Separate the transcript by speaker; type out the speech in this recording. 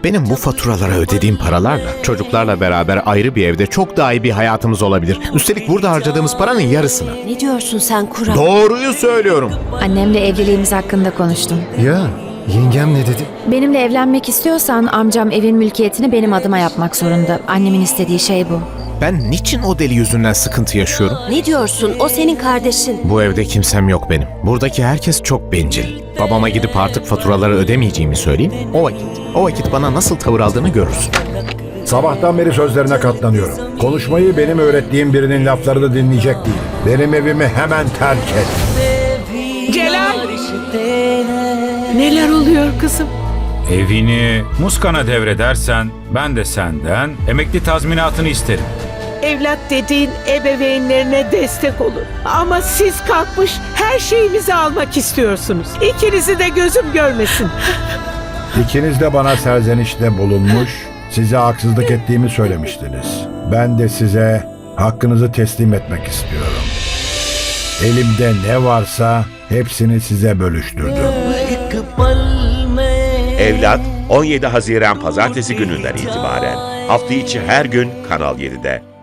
Speaker 1: Benim bu faturalara ödediğim paralarla çocuklarla beraber ayrı bir evde çok daha iyi bir hayatımız olabilir. Üstelik burada harcadığımız paranın yarısını.
Speaker 2: Ne diyorsun sen Kural?
Speaker 1: Doğruyu söylüyorum.
Speaker 3: Annemle evliliğimiz hakkında konuştum.
Speaker 4: Ya yengem ne dedi?
Speaker 3: Benimle evlenmek istiyorsan amcam evin mülkiyetini benim adıma yapmak zorunda. Annemin istediği şey bu.
Speaker 1: Ben niçin o deli yüzünden sıkıntı yaşıyorum?
Speaker 2: Ne diyorsun? O senin kardeşin.
Speaker 1: Bu evde kimsem yok benim. Buradaki herkes çok bencil. Babama gidip artık faturaları ödemeyeceğimi söyleyeyim. O vakit bana nasıl tavır aldığını görürsün.
Speaker 5: Sabahtan beri sözlerine katlanıyorum. Konuşmayı benim öğrettiğim birinin laflarını dinleyecek değil. Benim evimi hemen terk et.
Speaker 6: Celal! Neler oluyor kızım?
Speaker 7: Evini Muskan'a devredersen ben de senden emekli tazminatını isterim.
Speaker 6: Evlat dediğin ebeveynlerine destek olur. Ama siz kalkmış her şeyimizi almak istiyorsunuz. İkinizi de gözüm görmesin.
Speaker 5: İkiniz de bana serzenişte bulunmuş, size haksızlık ettiğimi söylemiştiniz. Ben de size hakkınızı teslim etmek istiyorum. Elimde ne varsa hepsini size bölüştürdüm.
Speaker 8: Evlat 17 Haziran Pazartesi gününden itibaren hafta içi her gün Kanal 7'de.